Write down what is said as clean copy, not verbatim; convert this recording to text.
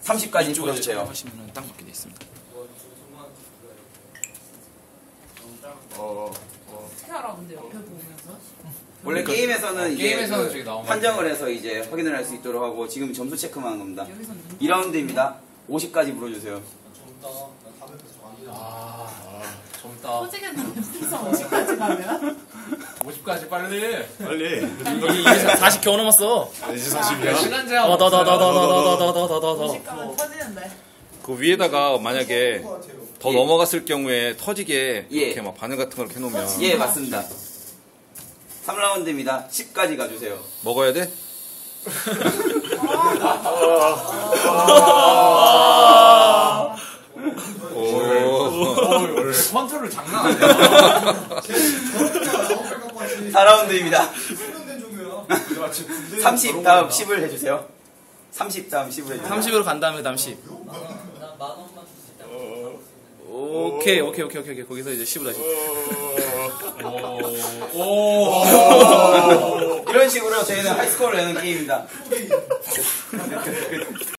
30까지 풀어주세요. 하시면은 딱 맞게 돼 있습니다. 어떻게 알아 근데 옆에 보면서? 원래 게임에서는 이제 게임에서는 저기 나오면 판정을 해서 이제 확인을 할 수 있도록 하고 지금 점수 체크만 하는 겁니다. 여기선 2라운드입니다. 50까지 물어주세요. 젊다. 터지겠는데 풍선 50까지 가면? 50까지 빨리. 빨리. 이제 40 겨우 넘었어. 이제 40이야. 시간 제한. 더. 50 가면 터지는데. 그 위에다가 만약에 더 넘어갔을 경우에 터지게 예. 이렇게 막 바늘 같은 걸 이렇게 해놓으면 예, 맞습니다. 3라운드입니다. 10까지 가주세요. 먹어야 돼? 컨트롤 장난 아니야. 4라운드입니다. 30 다음 10을 해주세요. 30 다음 10을 해주세요. 30으로 간 다음에 다음 10. 오케이. 거기서 이제 10으로 다시. 이런 식으로 저희는 하이스코어를 내는 게임입니다.